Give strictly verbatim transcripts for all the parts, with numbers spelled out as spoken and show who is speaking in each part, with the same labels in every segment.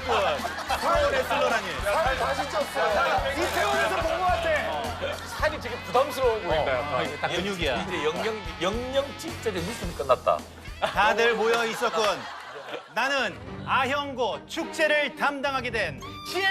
Speaker 1: 있었군. 프로 레슬러라니.
Speaker 2: 살 다시 쪘어.
Speaker 3: 이태원에서 본 것 같아.
Speaker 4: 살이 되게 부담스러워 보인다. 약간.
Speaker 1: 딱 근육이야.
Speaker 4: 이제 영영 영영 직전에 미션 끝났다.
Speaker 1: 다들 모여 있었군. 나는 아형고 축제를 담당하게 된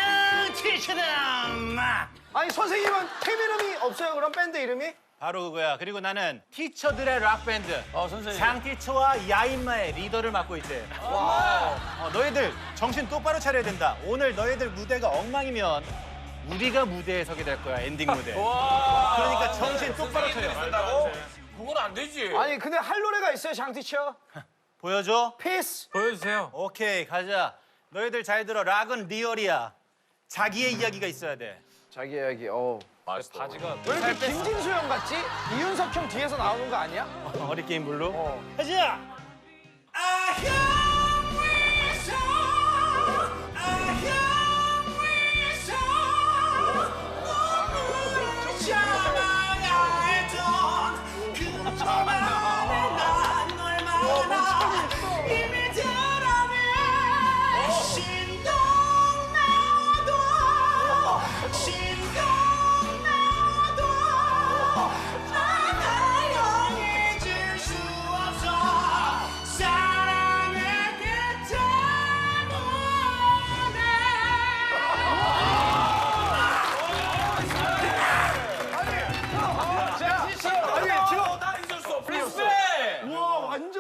Speaker 1: 짱티처다.
Speaker 3: 아니 선생님은 팀 이름이 없어요? 그럼 밴드 이름이?
Speaker 1: 바로 그거야. 그리고 나는 티처들의 락밴드
Speaker 4: 어 선생님.
Speaker 1: 장티처와 야인마의 리더를 맡고 있지. 어, 너희들 정신 똑바로 차려야 된다. 오늘 너희들 무대가 엉망이면 우리가 무대에 서게 될 거야, 엔딩 무대. 그러니까 정신 똑바로 차려.
Speaker 4: 된다고? 그건 안 되지.
Speaker 3: 아니 근데 할 노래가 있어요 장티처?
Speaker 1: 보여줘?
Speaker 3: 피스.
Speaker 4: 보여주세요.
Speaker 1: 오케이, 가자. 너희들 잘 들어. 락은 리얼이야. 자기의 이야기가 있어야 돼.
Speaker 3: 자기 이야기. 어.
Speaker 4: 맛있어. 바지가
Speaker 3: 왜 이렇게 김진수 형 같지? 이윤석 형 뒤에서 나오는 거 아니야?
Speaker 1: 어리게임 블루.
Speaker 3: 어.
Speaker 1: 가자!
Speaker 3: 아니 지금
Speaker 4: 나 잊을 수 없어.
Speaker 3: 우와 완전.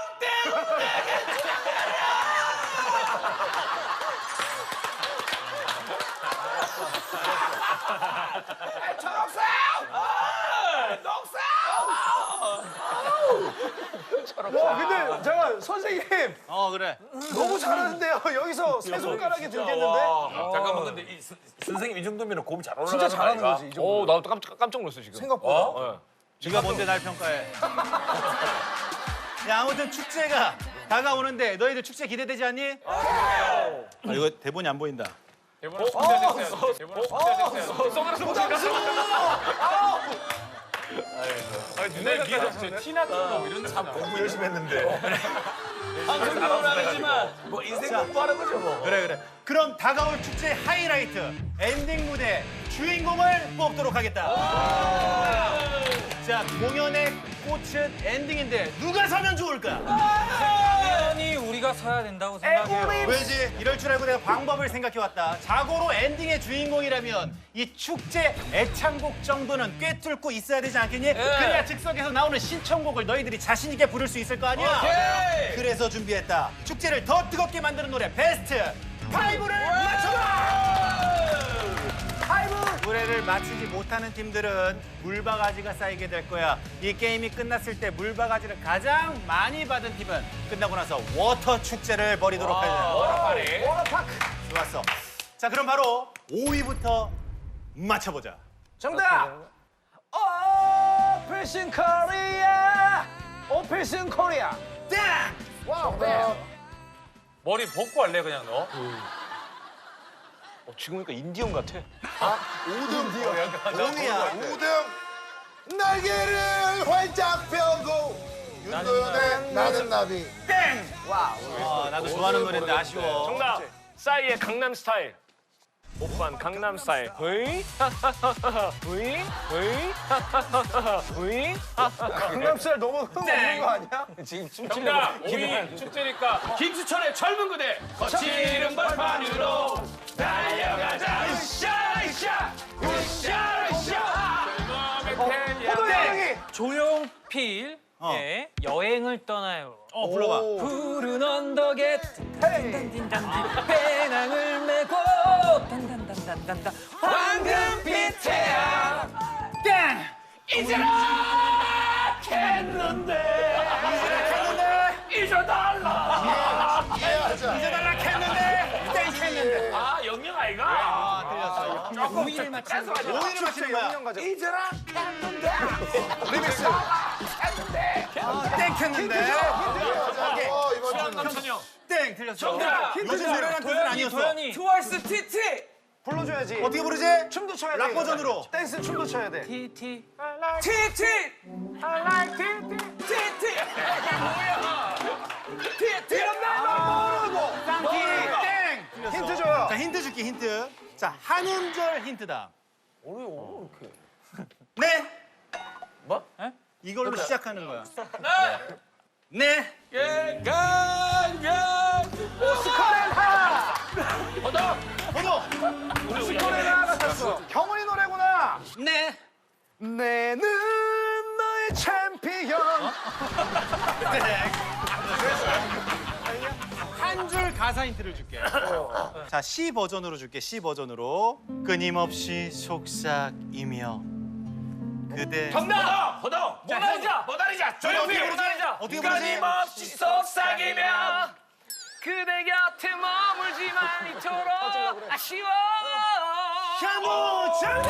Speaker 3: 와 근데 잠깐 선생님
Speaker 1: 어, 그래.
Speaker 3: 너무 잘하는데요. 여기서 세 손가락이 들겠는데?
Speaker 4: 와, 잠깐만 근데 이 스- 선생님 이 정도면 곰이 잘 올라가는
Speaker 3: 진짜 잘하는
Speaker 4: 거 아이가?
Speaker 3: 거지, 이 정도면.
Speaker 4: 오, 나도 깜짝 깜짝 놀랐어 지금.
Speaker 3: 생각보다.
Speaker 4: 어?
Speaker 1: 네가 뭔데 날 평가해. 야, 아무튼 축제가 다가오는데 너희들 축제 기대되지 않니? 아, 이거 대본이 안 보인다.
Speaker 4: 대본을 숙제됐어요. 대본을 숙제됐어요. 선글라스 못 아니 눈에 비가 티나처럼 이런 참 공부 열심히 했는데. 방송용은 아니지만 뭐 인생 공부하는 거죠 뭐.
Speaker 1: 그래, 그래. 그럼 다가올 축제 하이라이트 엔딩 무대 주인공을 뽑도록 하겠다. 자, 공연의 꽃은 엔딩인데 누가 서면 좋을까?
Speaker 5: 당연히 우리가 서야 된다고 생각해요.
Speaker 1: 왜지? 이럴 줄 알고 내가 방법을 생각해왔다. 자고로 엔딩의 주인공이라면 이 축제 애창곡 정도는 꿰뚫고 있어야 되지 않겠니? 그래야 즉석에서 나오는 신청곡을 너희들이 자신 있게 부를 수 있을 거 아니야? 그래서 준비했다. 축제를 더 뜨겁게 만드는 노래 베스트 파이브를 맞춰봐! 파이브! 노래를 맞히지 못하는 팀들은 물바가지가 쌓이게 될 거야. 이 게임이 끝났을 때 물바가지를 가장 많이 받은 팀은 끝나고 나서 워터 축제를 벌이도록 하자.
Speaker 4: 워터파리.
Speaker 3: 워터파크.
Speaker 1: 좋았어. 자, 그럼 바로 오 위부터 맞춰보자.
Speaker 3: 정답. 오페ration 코리아. 오페ration 코리아.
Speaker 1: 땡!
Speaker 3: 와우. 네.
Speaker 4: 머리 벗고 할래 그냥 너?
Speaker 5: 지금 보니까 인디언 같아.
Speaker 1: 오위야.
Speaker 2: 오 등 날개를 활짝 펴고 윤도현의 나는 나비.
Speaker 1: 땡! 어, 나도 좋아하는 노래인데 아쉬워.
Speaker 6: 정답. 싸이의 강남 스타일. 오빤 강남 스타일. 으이? 으이? 으이? 으이?
Speaker 3: 강남스타일 너무 흥 없는 거 아니야?
Speaker 5: 지금
Speaker 4: 정답. 오이 축제니까 김수철의 젊은 그대. 거칠은 벌판으로 달려가자. 으쌰 으쌰 으쌰 으쌰.
Speaker 3: 호도 여행이.
Speaker 5: 조용필의
Speaker 1: 어.
Speaker 5: 여행을 떠나요.
Speaker 1: 어, 불러봐.
Speaker 5: 푸른 언덕에
Speaker 3: 헤이.
Speaker 5: 딘딘딘딘 배낭을 메고 단단단단단단 황금빛 태양
Speaker 1: 땡!
Speaker 4: 이제라 했는데 잊어달라.
Speaker 2: 해야자.
Speaker 1: 이제 달락했는데 땡 했는데.
Speaker 4: 아 영영 아이가.
Speaker 1: 아, 틀렸어.
Speaker 5: 우위를 맞추는 거.
Speaker 1: 오 위를 맞히는 거야.
Speaker 3: 영영 가자.
Speaker 4: 이제라 했는데.
Speaker 3: 리믹스.
Speaker 1: 땡 했는데.
Speaker 2: 해야자. 어, 이번 주는.
Speaker 4: 남천영.
Speaker 1: 땡 틀렸어.
Speaker 4: 정답.
Speaker 1: 요즘 노래란 뜻은 아니었어.
Speaker 5: 도현이
Speaker 4: 트와이스 티티.
Speaker 3: 불러줘야지.
Speaker 1: 어떻게 부르지?
Speaker 3: 춤도 춰야 돼.
Speaker 1: 락 버전으로.
Speaker 3: 댄스 춤도 춰야 돼.
Speaker 5: 티티
Speaker 4: 티티. I like 티티. 티티. 뭐야? 티티.
Speaker 1: 쌍티 땡! 틀렸어.
Speaker 3: 힌트 줘요.
Speaker 1: 자, 힌트 줄게, 힌트. 자, 한 음절 힌트다.
Speaker 3: 어려워 이렇게.
Speaker 1: 네.
Speaker 4: 뭐?
Speaker 1: 이걸로 시작하는 거야. 네. 네.
Speaker 3: 스카레나.
Speaker 4: 허덕.
Speaker 1: 번호.
Speaker 3: 스카레나 같았어. 경훈이 노래구나.
Speaker 1: 네.
Speaker 3: 내는 너의 챔피언.
Speaker 1: 한 줄 가사 힌트를 줄게. 자, C 버전으로 줄게. C 버전으로. 끊임없이 속삭이며 그대.
Speaker 4: 정답. 허덕.
Speaker 6: 모나리자.
Speaker 4: 모나리자.
Speaker 1: 저희
Speaker 4: 조용히.
Speaker 1: 어떻게 부르지? 어떻게 부르지?
Speaker 4: 끊임없이 속삭이며.
Speaker 6: 그대 곁에 머물지만 이토록 아쉬워.
Speaker 1: 샤무 정답!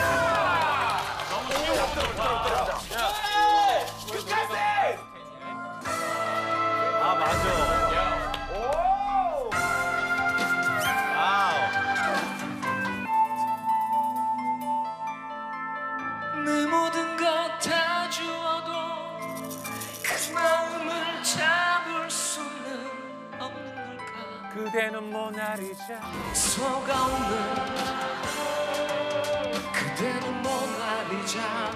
Speaker 4: 끝까지.
Speaker 1: 아, 맞아. 와우.
Speaker 5: 내 모든 것 다 주어도 그 마음을 잡을 수는 없는 걸까.
Speaker 6: 그대는 모나리자.
Speaker 5: 속아오는 그대는 모나리자.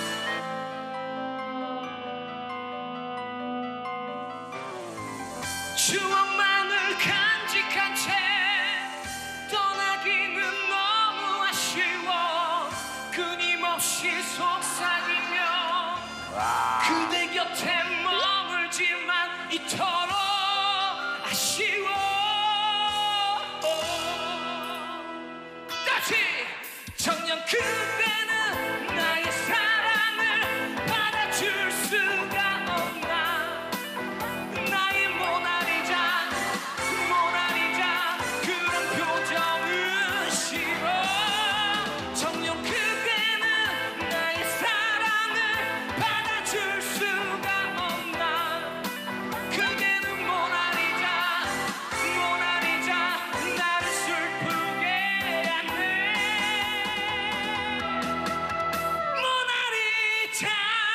Speaker 5: 추억만을 간직한 채 떠나기는 너무 아쉬워. 끊임없이 속삭이며 그대 곁에 머물지만 이토록 아쉬워. 다시 정녕 그대는 나의 사랑을 받아줄 수가 없나. 나의 모나리자 모나리자 그런 표정은 싫어. 정녕 그대는 나의 사랑을 받아줄 수가 없나. 그대는 모나리자 모나리자 나를 슬프게 하네. 모나리자.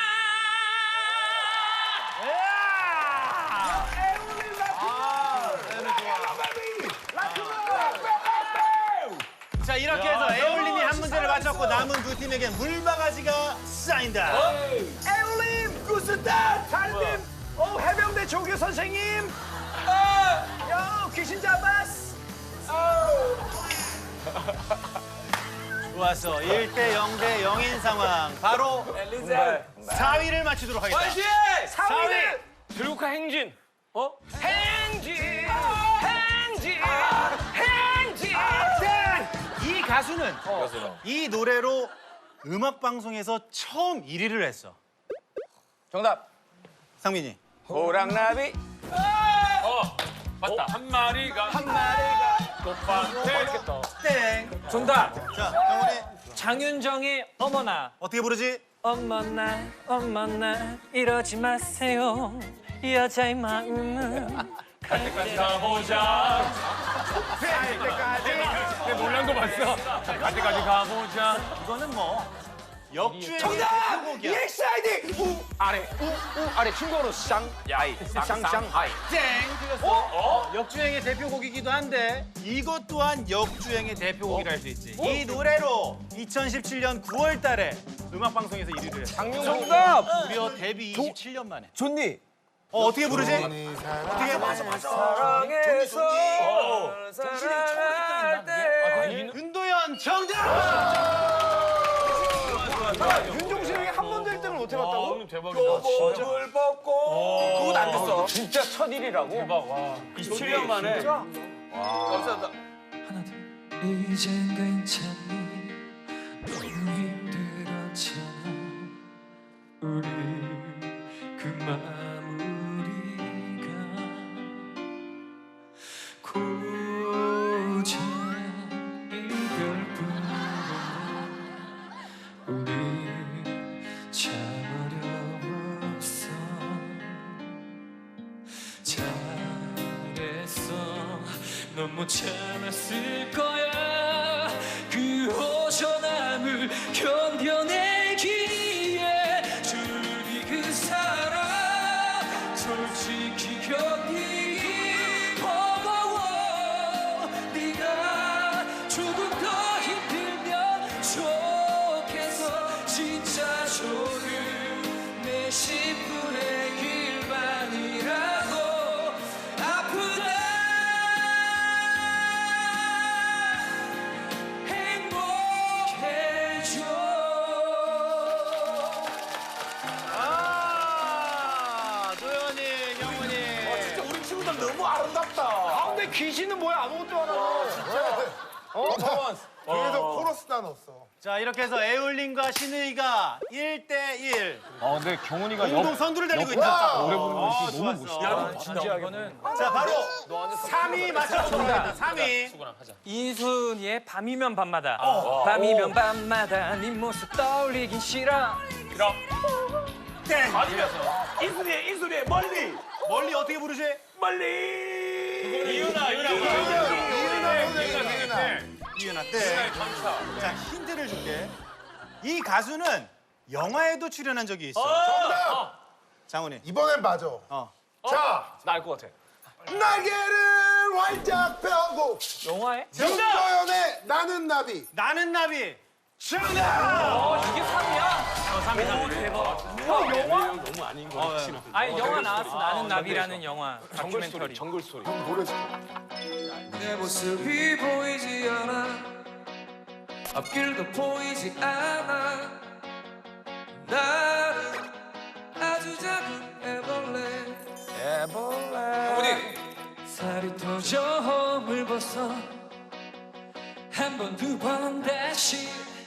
Speaker 1: 자, 이렇게 해서 에올림이 한 문제를 맞췄고 남은 두 팀에겐 물바가지가 쌓인다.
Speaker 3: 에올림 구스타 달님. 어 해병대 조교 선생님. 야 귀신 잡았어.
Speaker 1: 좋았어. 일 대 영 대 영인 상황. 바로 사 위를 맞추도록 하겠습니다.
Speaker 3: 사 위는
Speaker 6: 들국화 행진. 어? 행진. 행진. 행진.
Speaker 1: 이 가수는 이 노래로 음악 방송에서 처음 일 위를 했어.
Speaker 3: 정답.
Speaker 1: 상민이.
Speaker 3: 호랑나비.
Speaker 6: 어. 맞다. 한 마리가
Speaker 3: 한 마리가.
Speaker 6: 꽃밭에
Speaker 1: 땡.
Speaker 5: 정답.
Speaker 1: 자, 경훈이
Speaker 5: 장윤정의 어머나.
Speaker 1: 어떻게 부르지?
Speaker 5: 어머나 어머나 이러지 마세요. 여자의 마음은
Speaker 6: 가보자.
Speaker 3: 갈 때까지.
Speaker 6: 내 놀란 거 봤어. 갈 때까지 가보자.
Speaker 1: 이거는 뭐 역주행의
Speaker 3: 정답.
Speaker 1: 대표곡이야.
Speaker 3: 이엑스아이디 우 아래 우우 아래 중국어로 쌍야이 쌍쌍하이.
Speaker 1: 땡. 틀렸어. 어? 역주행의 대표곡이기도 한데 이것 또한 역주행의 대표곡이라 할 수 있지. 이 노래로 이천십칠 년 구월 달에 음악 방송에서 일 위를 했어.
Speaker 3: 정답.
Speaker 1: 무려 데뷔 이십칠 년 만에.
Speaker 3: 존니.
Speaker 1: 어, 어떻게 부르지? 어떻게? 맞아, 맞아.
Speaker 3: 사랑해서 사랑할 때.
Speaker 1: 윤도현 정답!
Speaker 3: 윤종신 형이 한 번도 일 등을 못 해봤다고?
Speaker 6: 대박이다.
Speaker 3: 옷을 벗고. 그건 안 됐어.
Speaker 5: 진짜 첫 일이라고?
Speaker 6: 대박. 와. 이십칠 년 만에.
Speaker 3: 감사합니다.
Speaker 5: 하나 둘. 이젠 괜찮니? 너무 힘들었잖아. 우리 그 마무리가 고작 이별뿐이야. 우리 참 어려웠어. 잘했어. 넌 못 참았을 거야. 그 호전함을 견뎌내기에 주니 그 사랑 솔직히 견디기 버거워. 네가 진짜 좋은 내 십분의 길만이라도 아프다 행복해져.
Speaker 1: 아, 도현이, 경훈이.
Speaker 3: 진짜 우리 친구들 너무 아름답다.
Speaker 4: 가운데 귀신은 뭐야? 아무것도 안 하고.
Speaker 2: 어, 뒤에서 코러스도 안 없어.
Speaker 1: 자, 이렇게 해서 에울린과 신의가 일 대 일.
Speaker 6: 아 근데 경훈이가
Speaker 1: 공동 선두를 달리고 있다.
Speaker 6: 노래 부르는 거
Speaker 1: 아,
Speaker 6: 진짜 너무
Speaker 1: 좋았어.
Speaker 6: 멋있다.
Speaker 5: 진짜 이거는
Speaker 1: 자, 바로 삼 위 맞춰보도록 하겠습니다. 삼 위.
Speaker 5: 인순이의 밤이면 밤마다 밤이면 밤마다 네 모습 떠올리긴 싫어.
Speaker 1: 땡.
Speaker 3: 아니면 인순이의 인순이의 멀리
Speaker 1: 멀리 어떻게 부르지?
Speaker 3: 멀리.
Speaker 4: 이윤아, 이윤아.
Speaker 2: 이윤아, 이윤아, 이윤아.
Speaker 1: 이윤아 땡. 자, 힌트를 줄게. 이 가수는 영화에도 출연한 적이 있어.
Speaker 2: 정답!
Speaker 1: 장훈이.
Speaker 2: 이번엔 맞아.
Speaker 1: 어.
Speaker 2: 자,
Speaker 3: 나 알 것 같아.
Speaker 2: 날개를 활짝 펴고
Speaker 5: 영화에?
Speaker 2: 윤도현의 나는 나비.
Speaker 1: 나는 나비.
Speaker 5: 어, 이게 삼이야?
Speaker 1: 어, 삼 위, 삼 위.
Speaker 5: 아니 영화 나왔어. 나는 나비라는 영화 다큐멘터리.
Speaker 3: 정글 스토리.
Speaker 2: 그럼 노래 시켜.
Speaker 5: 내 모습이 보이지 않아 앞길도 보이지 않아 나는 아주 작은 애벌레 애벌레 살이 터져 허물 벗어 한 번 두 번 다시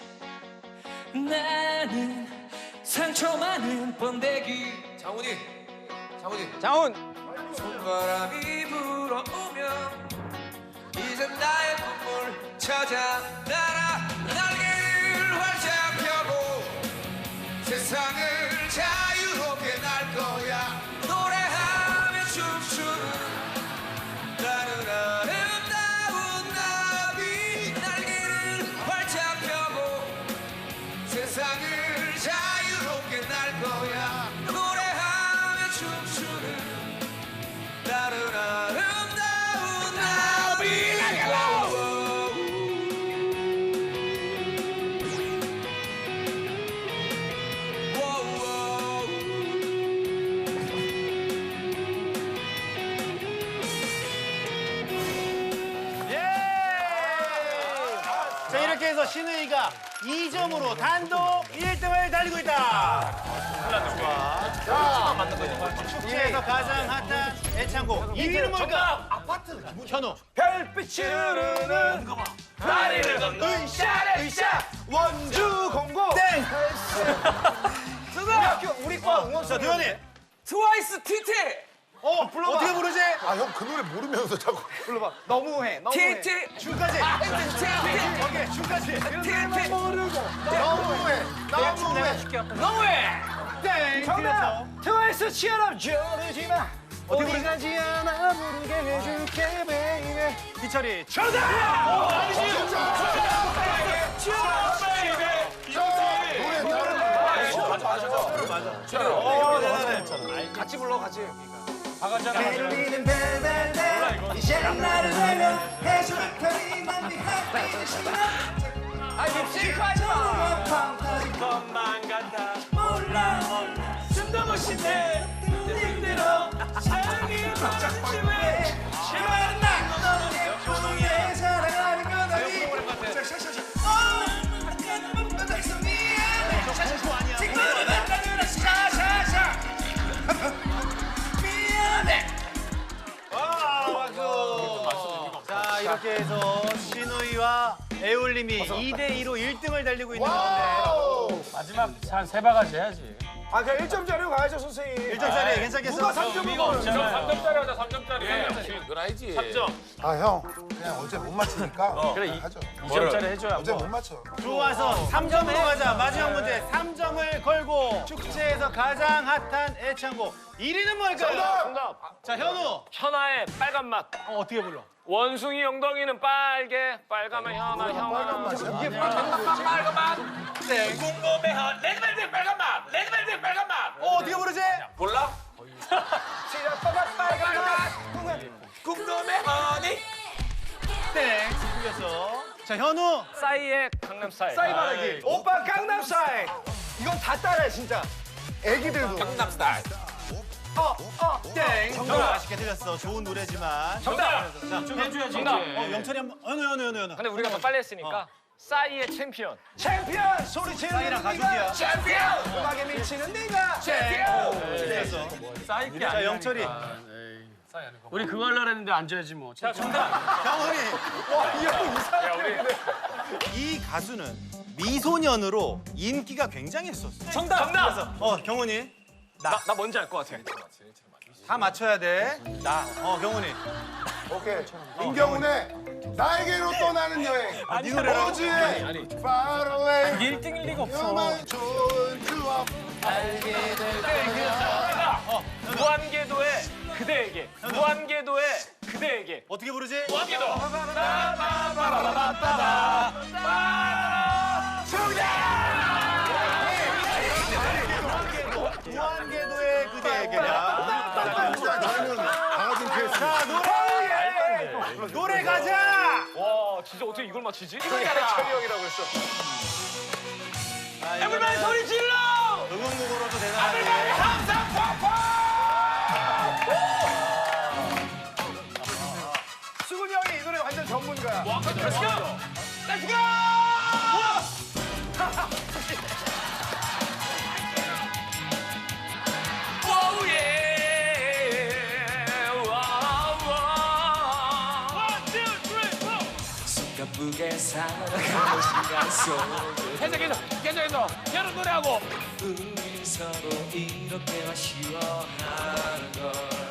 Speaker 5: 나는 상처 많은 번데기 장훈이 장훈이 장훈 손바람이 불어오면 이젠 나의 꿈을 찾아 날아 날개를 활짝 펴고 세상을 자유롭게 날 거야 노래하며 춤추는 나는 아름다운 나비 날개를 활짝 펴고 세상을 자유롭게 날 거야 노래하며 춤추는 나는 아름다운 나비
Speaker 1: 예! 자, 이렇게 해서 신의가 이 점으로 단독 일 등을 달리고 있다. 좋아. 축제에서 가장 핫한 애창곡 이 위는 뭘까? 아파트. 현우.
Speaker 3: 별빛이 흐르는 다리를 걷는 으쌰 으쌰 원주 공고.
Speaker 1: 땡!
Speaker 3: 우리 학교 우리 과 응원.
Speaker 1: 자, 도현이.
Speaker 5: 트와이스 티티
Speaker 1: 어, 불러봐. 어떻게 부르지?
Speaker 2: 아, 형 그 노래 모르면서 자꾸.
Speaker 3: 불러봐. 너무해. 너무해.
Speaker 5: 티티
Speaker 1: 춤까지.
Speaker 5: 티티
Speaker 1: 오케이, 춤까지.
Speaker 5: 티티
Speaker 2: 너무해. 너무해.
Speaker 5: 너무해
Speaker 1: 땡!
Speaker 3: 정답. 트와이스 치아람 조르지 마.
Speaker 1: 어떻게 부르지?
Speaker 3: 가지 않아 모르게 해줄게 베이베.
Speaker 1: 희철이.
Speaker 2: 진짜. 노래 다른
Speaker 3: 같이 불러 같이.
Speaker 5: 들리는 벨벨벨 이제 나를 내려 해줄 테니 난 네 하필 싫어 아 립싱크하지 마
Speaker 4: 것만 같아.
Speaker 5: 몰라 몰라
Speaker 4: 숨도 못 쉰대. 힘들어. 사랑이 멈추지 왜.
Speaker 5: 제발 나 너는 내 포동에 사랑하는 건 아니 어 아까는 못 받아서 미안해 지금은 나를 샤샤샤 미안해
Speaker 1: 와, 박수. 자, 이렇게 해서 신우이와 애올림이 이 대 이로 일 등을 달리고 있는 가운데
Speaker 2: 와우.
Speaker 6: 마지막 한 세 바가지 해야지.
Speaker 3: 아 그냥 일 점짜리로 가야죠 선생님.
Speaker 1: 일 점짜리 괜찮겠어?
Speaker 3: 누가 삼 점을 먹어요?
Speaker 6: 삼 점짜리 하자, 삼 점짜리.
Speaker 4: 그건 알지.
Speaker 6: 삼 점.
Speaker 2: 아, 형. 그냥 어제 못 맞히니까.
Speaker 6: 그래, 이-
Speaker 2: 하죠.
Speaker 6: 이 점짜리 해줘야
Speaker 2: 어제
Speaker 6: 뭐.
Speaker 2: 못 맞춰.
Speaker 1: 좋아서 삼 점으로 가자. 마지막 문제 삼 점을 걸고 축제에서 가장 핫한 애창곡 일 위는 뭘까요?
Speaker 4: 정답.
Speaker 1: 자, 현우.
Speaker 4: 천하의 빨간 맛.
Speaker 1: 어, 어떻게 불러?
Speaker 4: 원숭이 엉덩이는 빨개. 빨가면 현아
Speaker 2: 빨간
Speaker 4: 형아.
Speaker 2: 맛이야?
Speaker 4: 이게 빨간 맛 빨간 맛. 궁금해 레드벨벳 빨간 맛. 레드벨벳 빨간 맛.
Speaker 1: 어, 어떻게 부르지?
Speaker 4: 몰라? 시작 빨간 빨간 맛. 궁금해 허니.
Speaker 1: 땡. 틀렸어. 자, 현우.
Speaker 4: 싸이의 강남 스타일.
Speaker 3: 싸이 말하기. 오빠 강남 스타일. 이건 다 따라해 진짜. 애기들도.
Speaker 4: 경남 스타일.
Speaker 3: 땡.
Speaker 1: 정답 아쉽게 틀렸어. 좋은 노래지만.
Speaker 6: 정답.
Speaker 1: 자, 좀 해줘야지.
Speaker 6: 정답.
Speaker 1: 어, 영철이 한번. 어느 어느 어느 어느.
Speaker 6: 근데 우리가 더 빨리 했으니까 싸이의 챔피언.
Speaker 3: 챔피언 소리 지르는
Speaker 1: 싸이랑
Speaker 3: 네가
Speaker 1: 가족이야.
Speaker 3: 챔피언 음악에 미치는 네가 챔피언.
Speaker 1: 틀렸어.
Speaker 6: 싸이
Speaker 1: 자, 영철이.
Speaker 6: 우리 그거 하려고 했는데 앉아야지 뭐. 자, 정답.
Speaker 1: 경훈이.
Speaker 3: 와이형 이상한데.
Speaker 1: 이 가수는 미소년으로 인기가 굉장했었어.
Speaker 6: 정답. 정답.
Speaker 1: 그래서 어, 경훈이.
Speaker 6: 나, 나 뭔지 알 것 같아.
Speaker 1: 다 맞춰야 돼. 나. 어, 경훈이.
Speaker 2: 오케이. 임경훈의 나에게로 떠나는 여행.
Speaker 1: 네 노래라고?
Speaker 2: 호주의 Far Away.
Speaker 6: 일 등일 리가
Speaker 2: 요만 좋은 추억.
Speaker 6: 무한궤도의 그대에게. 무한궤도의 그대에게.
Speaker 1: 어떻게 부르지?
Speaker 6: 무한궤도.
Speaker 1: 무한궤도의 그대에게야.
Speaker 2: 진짜 저희는 강아지 케이스.
Speaker 1: 자, 노래. 노래 가자.
Speaker 6: 와, 진짜 어떻게 이걸 맞히지?
Speaker 3: 철이 형이라고 했어.
Speaker 6: 에브리바디 소리 질러!
Speaker 1: 응원곡으로도 대단하네.
Speaker 6: 항상
Speaker 3: 수근 형이 이 노래 완전 전문가야.
Speaker 6: 렛츠고! 렛츠고! 오우 예! 와우 와우! 원, 투, 쓰리, 포!
Speaker 5: 가쁘게 살아가는 시간 속에
Speaker 6: 계속해서 계속해서 여름 노래하고
Speaker 5: 우리 서로 이렇게 아쉬워하는 걸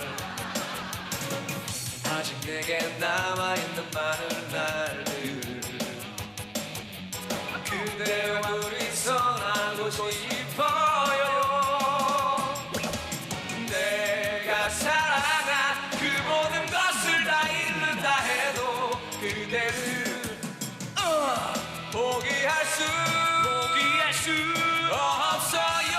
Speaker 5: 아직 내게 남아있는 많은 날들 그대와 둘이서 나누고 싶어요 내가 사랑한 그 모든 것을 다 잃는다 해도 그대를 포기할 수 포기할 수 없어요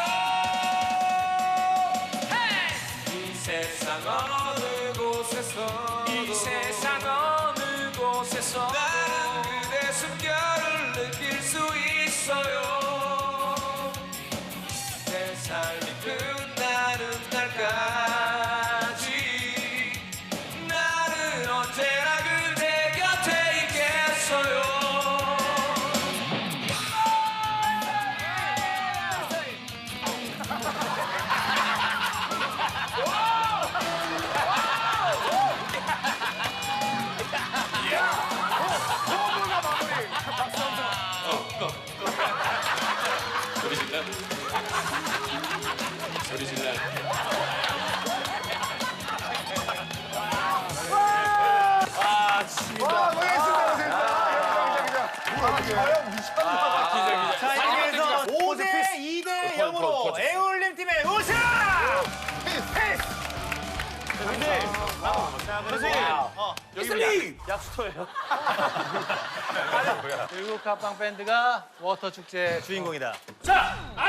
Speaker 5: 이 세상 어느 곳에서 이 세상 어느 곳에서 나는 그대 숨결을 느낄 수 있어요 내 삶이 끝나는 날까지 나는 언제나 그대 곁에 있겠어요
Speaker 2: 와, 고생했습니다. 고생했습니다. 아, 자연 미쳤나.
Speaker 1: 자, 이렇게 해서 오 대 이 대 영으로 애울림 팀의 우승! 근데 자, 그래서 어,
Speaker 6: 여기 약수터예요.
Speaker 1: 일곱 갑방 밴드가 워터 축제 주인공이다.
Speaker 6: 자,